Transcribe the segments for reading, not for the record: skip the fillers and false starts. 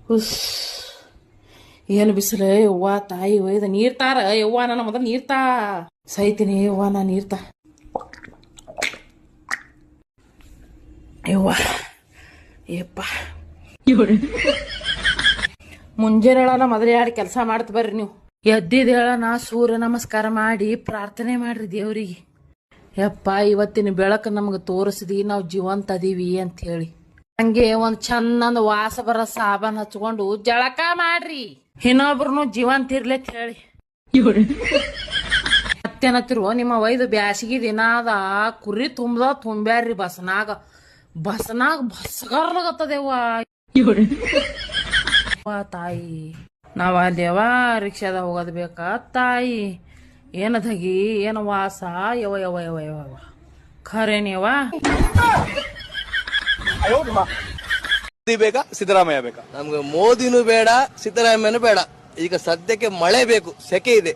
ಹುಸ್ ಏನು ಬಿಸಿಲು ಯವ್ವ ತಾಯಿ ಒಯ್ದ ನೀರ್ ತಾರ ಯವ್ವ ನನ್ನ ಮೊದಲು ನೀರ್ ತಾ ಸೈತೀನಿ ಯವ್ವ ನಾ ನೀರ್ ತಾ ಯವ್ವ ಯಪ್ಪ ಮುಂಜಾನೆ ಹೇಳ ಮೊದಲು ಎರಡು ಕೆಲಸ ಮಾಡ್ತ ಬರ್ರಿ ನೀವು ಎದ್ದಿದ ಹೇಳ ನಾ ಸೂರ್ಯ ನಮಸ್ಕಾರ ಮಾಡಿ ಪ್ರಾರ್ಥನೆ ಮಾಡ್ರಿ ದೇವ್ರಿಗೆ ಯಪ್ಪ ಇವತ್ತಿನ ಬೆಳಕು ನಮ್ಗೆ ತೋರಿಸಿದಿ ನಾವು ಜೀವಂತ ಅದೀವಿ ಅಂತ ಹೇಳಿ ಹಂಗೆ ಒಂದ್ ಚಂದಂದ ವಾಸ ಬರ ಸಾಬಾನ್ ಹಚ್ಕೊಂಡು ಜಳಕ ಮಾಡ್ರಿ ಇನ್ನೊಬ್ರು ಜೀವಂತ ಇರ್ಲಿ ಅಂತ ಹೇಳಿ ಮತ್ತೇನತ್ತಿರುವ ನಿಮ್ಮ ವೈದು ಬ್ಯಾಸಿಗೆ ದಿನ ಅದ ಕುರಿ ತುಂಬ್ಯಾರ್ರಿ ಬಸ್ನಾಗ ಬಸ್ಗಾರ್ಲಾಗತ್ತದೇವ ತಾಯಿ ನಾವ ಅಲ್ಲೇವ ರಿಕ್ಷಾದ ಹೋಗೋದ್ ಬೇಕಾ ತಾಯಿ ಏನದಗಿ ಏನು ವಾಸ ಯವ ಯವ ಯವ ಯವ ಖರೇನೇವ ಮೋದಿ ಬೇಕಾ ಸಿದ್ದರಾಮಯ್ಯ ಬೇಕಾ? ನಮ್ಗೆ ಮೋದಿನೂ ಬೇಡ ಸಿದ್ದರಾಮಯ್ಯನೂ ಬೇಡ. ಈಗ ಸದ್ಯಕ್ಕೆ ಮಳೆ ಬೇಕು, ಸೆಕೆ ಇದೆ.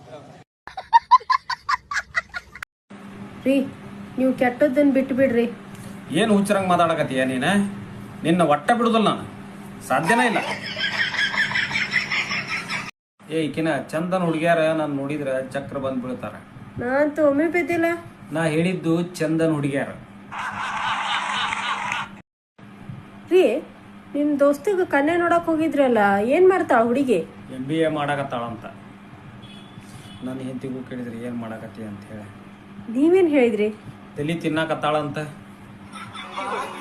ರೀ ನೀವು ಕೆಟ್ಟದ್ದನ್ನ ಬಿಟ್ಟು ಬಿಡ್ರಿ. ಏನು ಹುಚ್ಚರಂಗ್ ಮಾತಾಡಕತ್ತೀಯ ನೀನ? ನಿನ್ನ ಒಟ್ಟ ಬಿಡುದಿಲ್ಲ ನಾನು, ಸಾಧ್ಯನೇ ಇಲ್ಲ. ಈಕಿನ ಚಂದನ್ ಹುಡುಗಿಯಾರ ನಾನು ನೋಡಿದ್ರ ಚಕ್ರ ಬಂದ್ ಬೀಳ್ತಾರ. ನಾ ಅಂತೂ ಒಮ್ಮೆ ಬಿದ್ದಿಲ್ಲ. ನಾ ಹೇಳಿದ್ದು ಚಂದನ್ ಹುಡುಗಿಯಾರ. ರೀ ನಿಮ್ ದೋಸ್ತಿಗ ಕನ್ನೆ ನೋಡಕ್ ಹೋಗಿದ್ರಲ್ಲ, ಏನ್ ಮಾಡ್ತಾಳ ಹುಡುಗಿ? MBA ಮಾಡಾಕತ್ತಾಳಂತ. ನನ್ನ ಹೆಂಡತಿಗೂ ಕೇಳಿದ್ರಿ ಏನ್ ಮಾಡಾಕತ್ತಿ ಅಂತ ಹೇಳಿ. ನೀವೇನ್ ಹೇಳಿದ್ರಿ? ತಲಿ ತಿನ್ನಾಕತ್ತಾಳಂತ.